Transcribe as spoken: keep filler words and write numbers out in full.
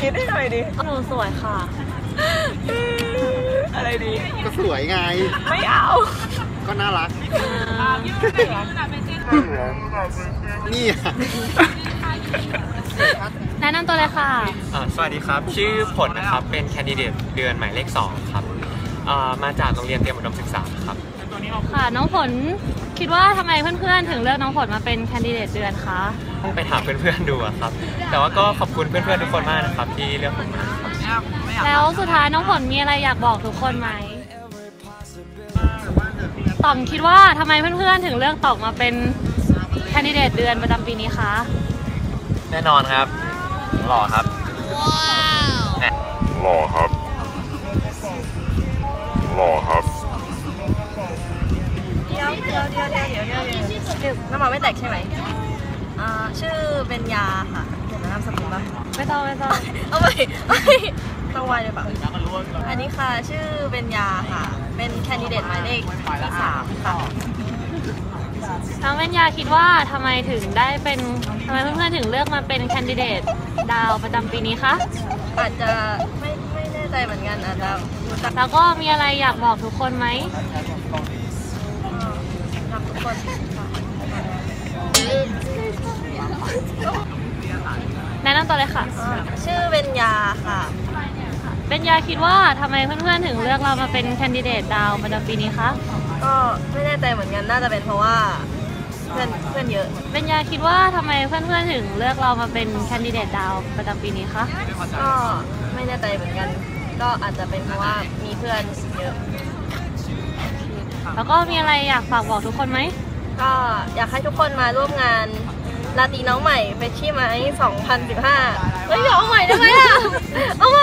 คิดให้หน่อยดิหนูสวยค่ะอะไรดีก็สวยไงไม่เอาก็น่ารักนี่แนะนำตัวเลยค่ะสวัสดีครับชื่อผลนะครับเป็นแคนดิเดตเดือนหมายเลขสองครับมาจากโรงเรียนเตรียมอุดมศึกษาครับค่ะน้องผลคิดว่าทำไมเพื่อนๆถึงเลือกน้องผลมาเป็นแคนดิเดตเดือนคะไปถามเพื่อนๆดูครับแต่ว่าก็ขอบคุณเพื่อนๆทุกคนมากนะครับที่เลือกผมมาแล้วสุดท้ายน้องผลมีอะไรอยากบอกทุกคนไหมต่อมคิดว่าทำไมเพื่อนๆถึงเลือกตอบมาเป็นแคนดิเดตเดือนประจำปีนี้คะแน่นอนครับหล่อครับหล่อครับหล่อครับเดี๋ยวเดี๋ยวเดี๋ยวเดี๋ยวเดี๋ยวเดี๋ยวเดี๋ยวน้ำมันไม่แตกใช่ไหมอ่าชื่อเป็นยาค่ะเดี๋ยวน้ำสกุลป่ะไม่ต้องไม่ต้องเอาไปต้องไวเลยป่ะอันนี้ค่ะชื่อเป็นยาค่ะเป็นแคนดิเดตหมายเลขที่สามค่ะน้องเบญญาคิดว่าทำไมถึงได้เป็นทำไมเพื่อนๆถึงเลือกมาเป็นแคนดิเดตดาวประจำปีนี้คะอาจจะไม่ไม่แน่ใจเหมือนกันอาจจะแล้วก็มีอะไรอยากบอกทุกคนไหมรักทุกคนแนะนำตัวเลยค่ะชื่อเบญญาค่ะเบญญาคิดว่าทำไมเพื่อนๆถึงเลือกเรามาเป็นแคนดิเดตดาวประจำปีนี้คะก็ไม่แน่ใจเหมือนกันน่าจะเป็นเพราะว่าเพื่อนเพื่อนเยอะเบญญาคิดว่าทำไมเพื่อนๆถึงเลือกเรามาเป็นแคนดิเดตดาวประจำปีนี้คะก็ไม่แน่ใจเหมือนกันก็อาจจะเป็นเพราะว่ามีเพื่อนเยอะแล้วก็มีอะไรอยากฝากบอกทุกคนไหมก็อยากให้ทุกคนมาร่วมงานราตรีน้องใหม่เฟชชี่ไมค์สองพันสิบห้าเฮ้ยเอาใหม่ได้ไหมอ่ะเอาใหม่